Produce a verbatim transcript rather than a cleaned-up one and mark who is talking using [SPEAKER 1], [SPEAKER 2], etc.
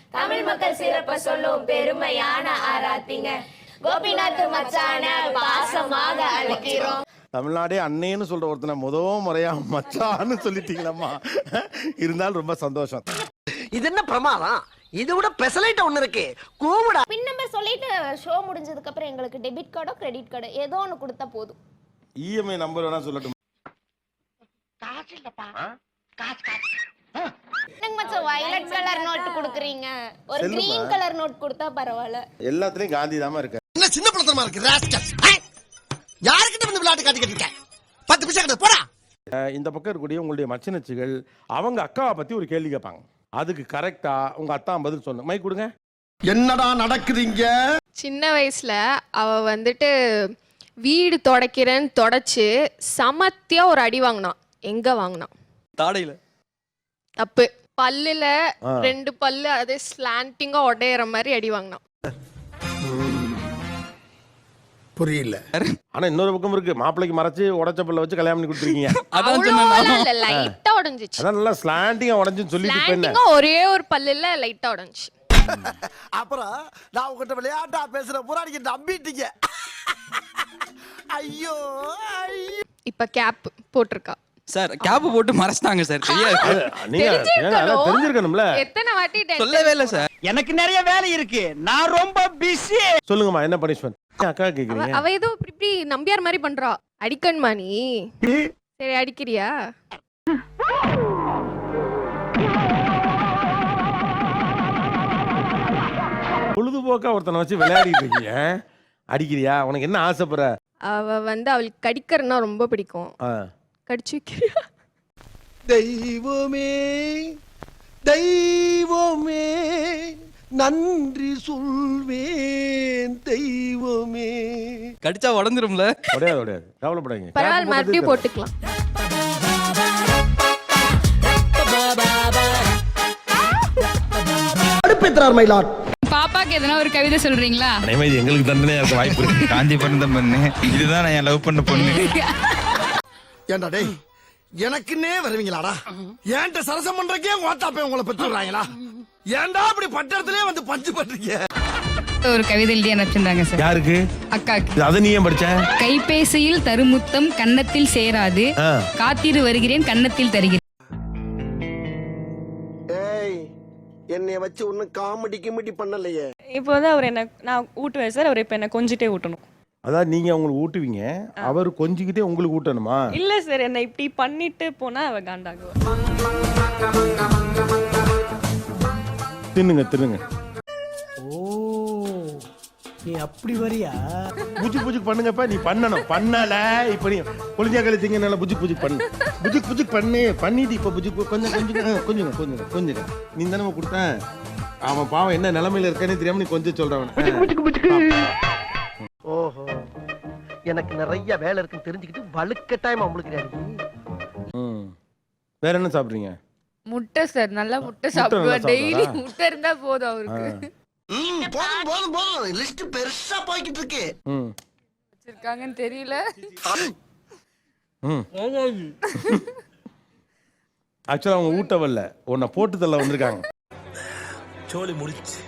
[SPEAKER 1] தமிழ் மக்கள் சிறப்ப சொல்லும் பெருமையான ஆராத்திங்க. கோபிநாத் மச்சான பாசமாக அழைக்கிறோம்.
[SPEAKER 2] தமிழ்நாடே அண்ணேன்னு சொல்ற ஒருத்தனை முதல் முறையா மச்சான்னு சொல்லிட்டீங்களம்மா. இருந்தாலும் ரொம்ப சந்தோஷம்.
[SPEAKER 3] இது என்ன பிரமாதம்? இது விட பெசலைட் ஒண்ணு இருக்கு. கூவுடா.
[SPEAKER 4] பின் நம்பர் சொல்லிட்டு ஷோ முடிஞ்சதுக்கு அப்புறம் எங்களுக்கு டெபிட் கார்டோ கிரெடிட் கார்டோ ஏதோ ஒன்னு கொடுத்தா போதும்.
[SPEAKER 2] இஎம்ஐ நம்பர் வேணா சொல்லட்டும்.
[SPEAKER 3] காசு இல்லப்பா. காசு காசு.
[SPEAKER 4] எனக்கு மச்சான் வயலட் கலர் நோட் குடுக்குறீங்க. ஒரு கிரீன் கலர் நோட் கொடுத்தா பரவாயில்ல.
[SPEAKER 2] எல்லாத்துலயும் காந்தி தாமா இருக்கு.
[SPEAKER 3] என்ன சின்ன பிள்ளைத்தனமா இருக்கு ராஸ்கல். யார்கிட்ட வந்து விளையாட்டு காட்டிக்கிட்டு இருக்க? பத்து பைசா கிட்ட போடா.
[SPEAKER 2] இந்த பக்கம் இருக்கக்கூடிய உங்களுடைய மச்சினச்சிகள் அவங்க அக்காவை பத்தி ஒரு கேள்வி கேட்பாங்க. அதுக்கு கரெக்டா உங்க அத்தா பதில் சொன்ன மைக் கொடுங்க.
[SPEAKER 3] என்னடா நடக்குதுங்க?
[SPEAKER 5] சின்ன வயசுல அவ வந்துட்டு வீடு தொடக்கிறேன்னு தொடச்சு சமத்தியா ஒரு அடி வாங்கினான். எங்க வாங்கினான்?
[SPEAKER 6] தாடையில.
[SPEAKER 5] தப்பு. பல்லுல ரெண்டு பல்லு அதே ஸ்லாண்டிங்கா உடையற மாதிரி அடி வாங்கினான்.
[SPEAKER 3] புரியல.
[SPEAKER 2] ஆனா இன்னொரு பக்கம் இருக்கு. மாப்பிளைக்கு மறைச்சு உடைச்ச பல்ல வச்சு கல்யாணம் பண்ணி கொடுத்துருக்கீங்க.
[SPEAKER 5] அவ்வளவு லைட்டா உடைஞ்சிச்சு.
[SPEAKER 2] அதான் நல்லா ஸ்லாண்டிங்கா உடைஞ்சுன்னு சொல்லிட்டு
[SPEAKER 5] ஸ்லாண்டிங்கா ஒரே ஒரு பல்லுல லைட்டா உடைஞ்சி.
[SPEAKER 3] அப்புறம் நான் உங்ககிட்ட விளையாட்டா பேசுற புராணிக்கு நம்பிட்டீங்க. ஐயோ
[SPEAKER 5] இப்ப கேப் போட்டிருக்கா.
[SPEAKER 6] சார் கேப் போட்டு மறைச்சிட்டாங்க சார். தெரியாது.
[SPEAKER 2] நீங்க தெரிஞ்சிருக்கணும்ல.
[SPEAKER 5] எத்தனை வாட்டி
[SPEAKER 6] சொல்லவே இல்ல சார்.
[SPEAKER 7] எனக்கு நிறைய வேலை இருக்கு. நான் ரொம்ப பிஸி.
[SPEAKER 2] சொல்லுங்கம்மா என்ன பனிஷ்மென்ட்? அக்கா கேக்குறீங்க.
[SPEAKER 5] அவ ஏதோ இப்படி இப்படி நம்பியார் மாதிரி பண்றா. அடிக்கணுமா நீ? சரி அடிக்கிறியா?
[SPEAKER 2] பொழுதுபோக்கா ஒருத்தனை வச்சு விளையாடிட்டு இருக்கீங்க. அடிக்கிறியா? உனக்கு என்ன ஆசைப்படுற?
[SPEAKER 5] அவ வந்து அவளுக்கு கடிக்கிறன்னா ரொம்ப பிடிக்கும். கடிச்சு வைக்கிறியா?
[SPEAKER 3] தெய்வமே தெய்வமே நன்றி சொல்வேன் தெய்வமே.
[SPEAKER 6] கடிச்சா உடஞ்சிரும்ல.
[SPEAKER 2] உடையாது உடையாது. கவலைப்படாதீங்க.
[SPEAKER 5] பரவாயில்ல மறுபடியும் போட்டுக்கலாம்.
[SPEAKER 3] அடுப்பேத்ரார் மயிலாட்.
[SPEAKER 8] பாப்பாக்கு எதனா ஒரு கவிதை சொல்றீங்களா?
[SPEAKER 2] அனைமே எங்களுக்கு தண்டனையா இருக்க வாய்ப்பு இருக்கு.
[SPEAKER 9] காந்தி பிறந்த பொண்ணு இதுதான் நான் லவ் பண்ண பொண்ணு.
[SPEAKER 3] ஏண்டா டேய் எனக்குன்னே வருவீங்களாடா? ஏன்ட்ட சரசம் பண்றக்கே ஓட்டாப்பே உங்களை பெற்றுறாங்களா? ஏன்டா அப்படி பட்டறதுலயே வந்து பஞ்சு பண்றீங்க?
[SPEAKER 8] ஒரு கவிதை எழுதி அனுப்பிச்சிருந்தாங்க சார்.
[SPEAKER 2] யாருக்கு?
[SPEAKER 8] அக்காக்கு.
[SPEAKER 2] அத நீ ஏன் படிச்ச?
[SPEAKER 8] கைபேசியில் தருமுத்தம் கன்னத்தில் சேராது, காத்திரு வருகிறேன் கன்னத்தில் தருகிறேன்.
[SPEAKER 3] ஏய் என்னைய வச்சு ஒன்னும் காமெடி கிமெடி பண்ணலையே.
[SPEAKER 10] இப்போ வந்து அவர் என்ன நான் ஊட்டுவேன் சார். அவர் இப்போ என்ன கொஞ்சிட்டே ஊட்டணும்.
[SPEAKER 2] அதான் நீங்க உங்களுக்கு ஊட்டுவீங்க, அவர் கொஞ்சிக்கிட்டே உங்களுக்கு ஊட்டணுமா?
[SPEAKER 10] இல்ல சார் என்ன இப்படி பண்ணிட்டு போனா அவ காண்டாகுவா.
[SPEAKER 2] தின்னுங்க தின்னுங்க.
[SPEAKER 7] ஓ நீ அப்படி வரியா?
[SPEAKER 2] புஜுக் புஜுக் பண்ணுங்கப்பா. நீ பண்ணணும். பண்ணல இப்ப நீ பொலிஞ்சா கழிச்சிங்க. நல்லா புஜுக் புஜுக் பண்ணு. புஜுக் புஜுக் பண்ணு. பண்ணிட்டு இப்ப புஜுக் கொஞ்சம் கொஞ்சம் கொஞ்சம் கொஞ்சம் கொஞ்சம் நீ தானே கொடுத்தேன். அவன் பாவம் என்ன நிலைமையில இருக்கானே தெரியாம நீ கொஞ்சம் சொல்றவன்.
[SPEAKER 3] ஓஹோ எனக்கு நிறைய வேலை இருக்குன்னு தெரிஞ்சுக்கிட்டு வலுக்கட்டாயமா உங்களுக்கு.
[SPEAKER 2] வேற என்ன சாப்பிடுறீங்க?
[SPEAKER 5] முட்டை சார். நல்லா முட்டை சாப்பிடுவார். டெய்லி முட்டை இருந்தா போதும் அவருக்கு.
[SPEAKER 3] போதும் போதும் போதும். லிஸ்ட் பெருசா போய்கிட்டு இருக்கு.
[SPEAKER 5] வச்சிருக்காங்கன்னு தெரியல.
[SPEAKER 2] ஆக்சுவலா அவங்க ஊட்ட வரல, உன்னை போட்டு தள்ள வந்திருக்காங்க.
[SPEAKER 7] சோலி முடிச்சு.